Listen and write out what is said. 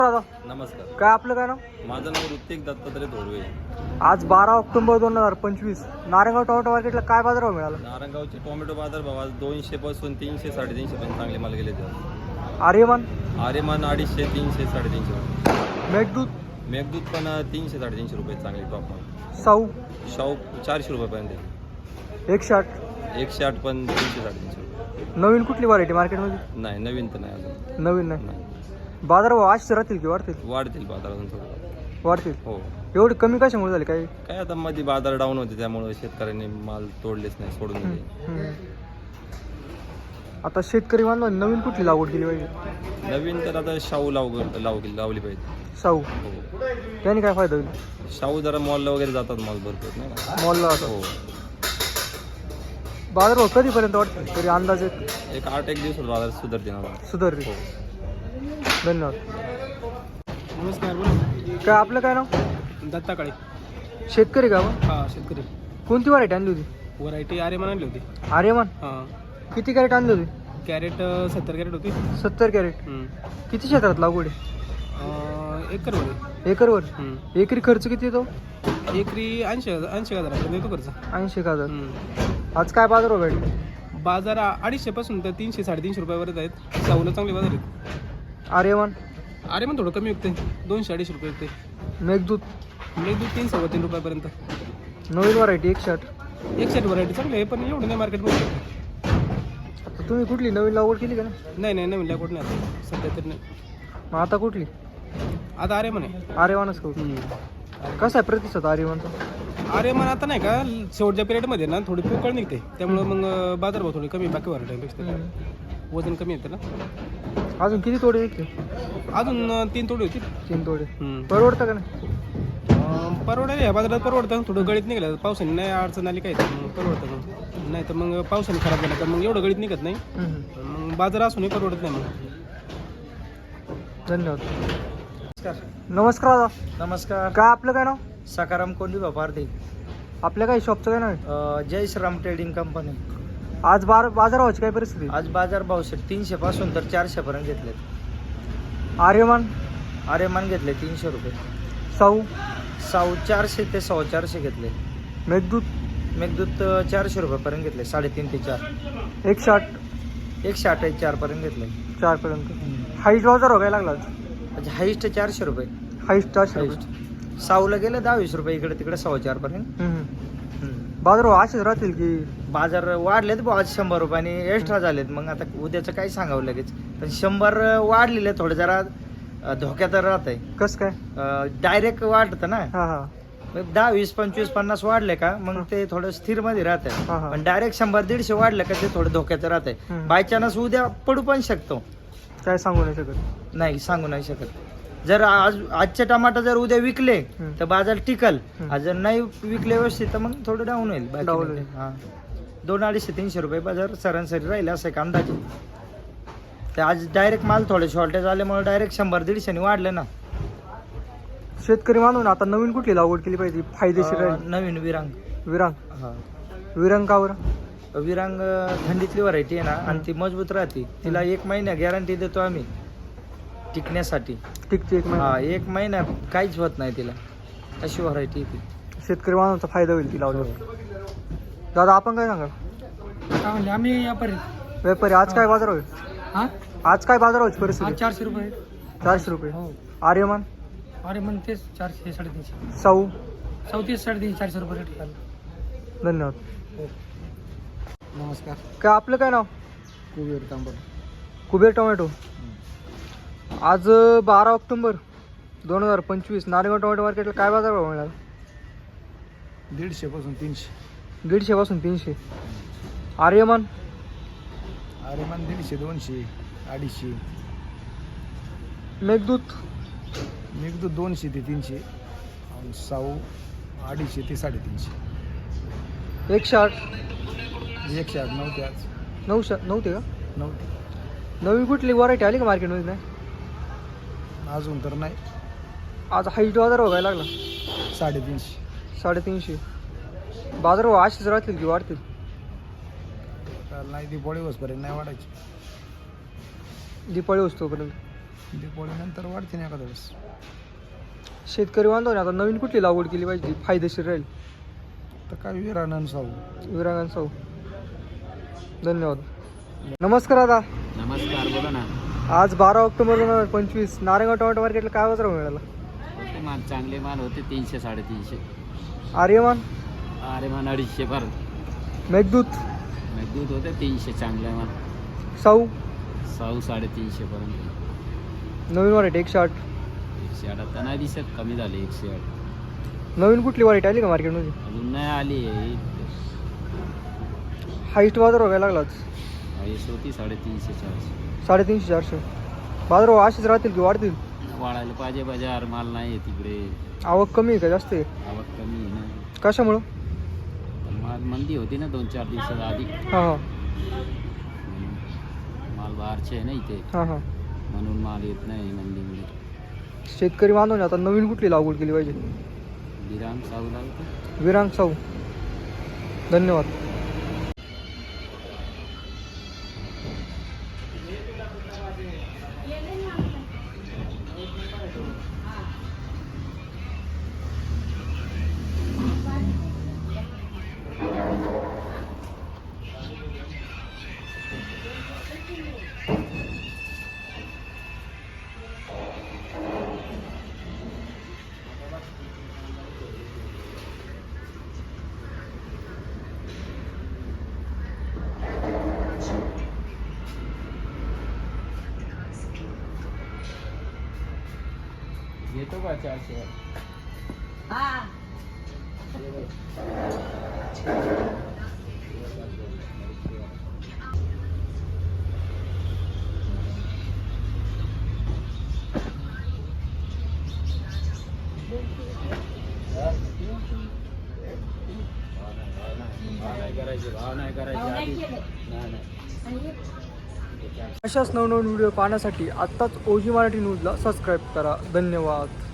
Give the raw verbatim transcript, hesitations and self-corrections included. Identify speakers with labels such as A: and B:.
A: दादा
B: नमस्कार.
A: काय आपलं काय नाव?
B: माझं नाव ऋतिक दत्तात्रय धोरवे.
A: आज बारा ऑक्टोबर दोन हजार पंचवीस नारायणगाव टोमॅटो मार्केटला काय बाजारभाव मिळाला?
B: नारायणगावचे टोमॅटो बाजार भाव आज दोनशे पासून तीनशे साडेतीनशे पर्यंत चांगले माल गेले ते.
A: आर्यमान
B: आर्यमान अडीचशे तीनशे साडेतीनशे रुपये.
A: मेघदूत
B: मेघदूत पण तीनशे साडेतीनशे रुपये चांगले टॉप माल.
A: साऊ
B: शाहू चारशे रुपयापर्यंत.
A: एकशे आठ
B: एकशे आठ पण तीनशे साडेतीनशे रुपये.
A: नवीन कुठली व्हरायटी मार्केटमध्ये?
B: नाही नवीन तर नाही अजून.
A: नवीन नाही.
B: नाही.
A: बाजारभाव आज राहतील की वाढतील?
B: वाढतील बाजार अजून थोडं.
A: वाढतील.
B: हो.
A: एवढी कमी कशामुळे झाली काय?
B: काय आता मध्ये बाजार डाऊन होते त्यामुळे शेतकऱ्यांनी माल तोडलेच नाही, सोडून दिले.
A: हम्म. आता शेतकरी बांधवांनी नवीन कुठली लागवड केली पाहिजे?
B: नवीन तर आता शाहू लाव लाव लावली पाहिजे.
A: साऊ
B: हो.
A: त्याने काय फायदा होईल?
B: शाहू जरा मॉलला वगैरे जातात माल भरपूर नाही का?
A: मॉलला आता
B: हो.
A: बाजारभाव कधीपर्यंत वाढतील तरी अंदाजे?
B: एक आठ एक दिवसात बाजार सुधारते ना.
A: सुधारतील.
B: हो.
A: धन्यवाद.
C: नमस्कार. बोला.
A: काय आपलं काय नाव?
C: दत्ता काळे.
A: शेतकरी का मग?
C: हां, शेतकरी.
A: कोणती व्हरायटी आणली होती?
C: व्हरायटी आर्यमान आणली होती.
A: आर्यमान
C: हां.
A: किती कॅरेट आणली होती?
C: कॅरेट सत्तर कॅरेट होती.
A: सत्तर कॅरेट.
C: हम्म.
A: किती क्षेत्रात लागवड आहे?
C: अं, एकरमध्ये.
A: एकरवर?
C: हम्म.
A: एकरी खर्च किती येतो?
C: एकरी ऐंशी हजार ऐंशी हजारापर्यंत येतो खर्च.
A: ऐंशी एक हजार.
C: हम्म.
A: आज काय बाजार भेटले?
C: बाजार अडीचशेपासून तर तीनशे साडेतीनशे रुपयावरच आहेत. साऊला चांगले बाजार आहेत.
A: आर्यमान
C: आर्यमान थोडं कमी विकते, दोनशे अडीचशे रुपये विकते.
A: मेघदूत
C: मेघदूत तीन सव्वा तीन रुपयापर्यंत.
A: नवीन व्हरायटी एकशे आठ.
C: एकशे आठ व्हरायटी चांगली आहे, पण एवढं नाही मार्केटमध्ये.
A: आता तुम्ही कुठली नवीन लागवड केली का ना?
C: नाही नाही नवीन लागवड नाही आता सध्या तरी नाही.
A: मग आता कुठली?
C: आता आर्यमान आहे.
A: आर्यमानच करू.
C: हम्म.
A: कसा आहे प्रतिसाद आर्यमानचा?
C: अरे मग आता नाही का शेवटच्या पिरियडमध्ये ना थोडी पोकळ निघते, त्यामुळे मग बाजारभाव थोडी कमी बाकी व्हरायटीपेक्षा वजन कमी येतं ना.
A: अजून किती तोडे विकते?
C: अजून अं, तीन तोडी होती.
A: तीन तोडे.
C: हम्म.
A: परवडतं का नाही?
C: अं, परवडायला या बाजारात परवडतं. थोडं गळीत निघालं पावसाने नाही अडचण आली काय तर मग परवडतं. मग नाही तर मग पावसाने खराब झाला तर मग एवढं गळीत निघत नाही.
A: हम्म.
C: मग बाजार असूनही परवडत नाही मग.
A: धन्यवाद. नमस्कार दादा.
D: नमस्कार.
A: काय आपलं काय नाव?
D: सकाराम कोंडी पारधी.
A: आपल्या काय शॉपचं काय नाव आहे?
D: Jai Shriram trading company.
A: आज बार बाजारभावाची काय परिस्थिती?
D: आज बाजार भाव सेट तीनशे पासून तर चारशे पर्यंत घेतलेत.
A: आर्यमान
D: आर्यमान घेतले तीनशे रुपये.
A: साऊ
D: साऊ चारशे ते सव्वा चारशे घेतले.
A: मेघदूत
D: मेघदूत अं, चारशे रुपयापर्यंत घेतले, साडेतीन ते चार.
A: एकशे आठ
D: एकशे अठ्ठावीस चार पर्यंत घेतले.
A: चार पर्यंत. हाईस्ट बाजार व्हायला लागला आज.
D: म्हणजे हाईस्ट चारशे रुपये.
A: हाईस्ट चारशे रुपये.
D: हाईस्ट साऊला गेले दहा वीस रुपये इकडे तिकडे सव्वा चार पर्यंत.
A: हम्म.
D: हम्म.
A: बाजारभाव असेच राहतील की?
D: बाजार वाढलेत बुवा आज शंभर रुपयाने एक्स्ट्रा झालेत. मग आता उद्याचं काय सांगावं लगेच, पण शंभर वाढलेले थोडे जरा अं, धोक्यात राहत आहे.
A: कसं काय?
D: डायरेक्ट वाढतं ना.
A: हा हा
D: मग दहा वीस पंचवीस पन्नास वाढले का मग ते थोडं स्थिर मध्ये राहत आहे.
A: हा, हा.
D: पण डायरेक्ट शंभर दीडशे वाढले का ते थोडं धोक्याचं राहत आहे.
A: हम्म.
D: बाय चान्स उद्या पडू पण शकतो.
A: काय सांगू नाही शकत.
D: नाही सांगू नाही शकत. जर आज आजचे टमाटर जर उद्या विकले
A: हम्म.
D: तर बाजार टिकल.
A: हम्म.
D: आज जर नाही विकले व्यवस्थित तर मग थोडं डाऊन होईल. बाकी
A: Down
D: नाही.
A: होईल.
D: हा दोन अडीचशे तीनशे रुपये बाजार सरासरी राहील असं एक अंदाजे. तर आज डायरेक्ट माल थोडे शॉर्टेज आल्यामुळे डायरेक्ट शंभर दीडशे वाढले ना.
A: शेतकरी मानून आता नवीन कुठली लागवड केली पाहिजे फायदेशीर
D: अं,
A: राहील?
D: नवीन विरांग.
A: विरांग.
D: हा
A: विरांग का बरं?
D: विरांग थंडीतली व्हरायटी आहे ना आणि ती मजबूत राहते. तिला एक महिना गॅरंटी देतो आम्ही टिकण्यासाठी.
A: टिकते एक महिना.
D: हा एक महिना काहीच होत नाही तिला, अशी व्हरायटी ती.
A: शेतकरी मानवाचा फायदा होईल ती लावल्यावर. दादा आपण काय सांगाल?
C: काय म्हणले आम्ही व्यापारी.
A: व्यापारी आज काय बाजार होईल?
C: हां,
A: आज काय बाजार व्हायची परिस्थिती?
C: चारशे रुपये.
A: चारशे रुपये.
C: हो.
A: आर्यमान
C: अरे मग तेच चारशे साडेतीनशे.
A: साऊ
C: चौतीस साडेतीनशे चारशे रुपये रेट झाला.
A: धन्यवाद.
C: नमस्कार.
A: काय आपलं काय नाव?
C: कुबेर तांबड.
A: कुबेर टोमॅटो. आज बारा ऑक्टोबर दोन हजार पंचवीस नारायणगाव टोमॅटो मार्केटला काय बाजार भाव मिळाला?
C: दीडशे पासून तीनशे.
A: दीडशे पासून तीनशे. आर्यमान
C: अरे मग दीडशे दोनशे अडीचशे.
A: मेघदूत
C: मेघदूत दोनशे ते तीनशे आणि साऊ अडीचशे ते साडेतीनशे.
A: एकशे आठ.
C: एकशे आठ नव्हते आज.
A: नऊशे नव्हते का?
C: नव्हते
A: नवीन कुठली व्हरायटी आली का मार्केटमध्ये? नाही
C: अजून तर नाही.
A: आज हाईट बाजार व्हायला लागला.
C: साडेतीनशे.
A: साडेतीनशे. बाजार भाव असेच राहतील की वाढतील?
C: तर नाही दिवाळी वसपर्यंत नाही वाढायची.
A: दिपाळी वस्तूपर्यंत.
C: दिवाळीनंतर वाढते ना एखाद्या वेळेस.
A: शेतकरी बांधवाने आता नवीन कुठली लागवड केली पाहिजे जी फायदेशीर राहील?
C: तर काय विरानंद साऊ.
A: विरांगण साऊ. धन्यवाद. नमस्कार दादा.
E: नमस्कार, बोला ना.
A: आज बारा ऑक्टोबर दोन हजार पंचवीस नारायणगाव टोमॅटो मार्केटला काय बाजार भाव मिळाला?
E: होते माल, चांगले माल होते तीनशे साडेतीनशे.
A: आर्यमान,
E: अरे मान अडीचशे पर.
A: मेघदूत,
E: दूध होते तीनशे चांगले माल.
A: साऊ,
E: साऊ साडेतीनशे पर्यंत.
A: नवीन व्हरायटी एकशे आठ.
E: एकशे आठ आता नाही दिसत, कमी झाले एकशे आठ.
A: नवीन कुठली व्हरायटी आली का मार्केटमध्ये?
E: अजून नाही आली आहे.
A: हाईस्ट बाजार व्हायला लागलाच
E: आईस होती साडेतीनशे चारशे.
A: साडेतीनशे चारशे. बाजार भाव असेच राहतील की वाढतील?
E: वाढायला पाहिजे बाजार, माल नाही आहे तिकडे.
A: आवक कमी आहे का जास्त आहे?
E: आवक कमी आहे ना.
A: कशामुळं?
E: तर माल मंदी होती ना दोन चार दिवसात आधी.
A: हां हां
E: म्हणून माल बाहेरचे आहे ना इथे,
A: हां हां.
E: म्हणून माल येत नाही मंदीमध्ये.
A: शेतकरी बांधवाने आता नवीन कुठली लागवड केली पाहिजे?
E: विराम साऊ लागतं.
A: विरांग साऊ. धन्यवाद.
E: येतो का चारशे? भाव नाही करायचे, भाव नाही करायचे आधी. नाही नाही.
A: अशाच नवनवीन व्हिडिओ पाहण्यासाठी आत्ताच ओजी मराठी न्यूजला सबस्क्राईब करा. धन्यवाद.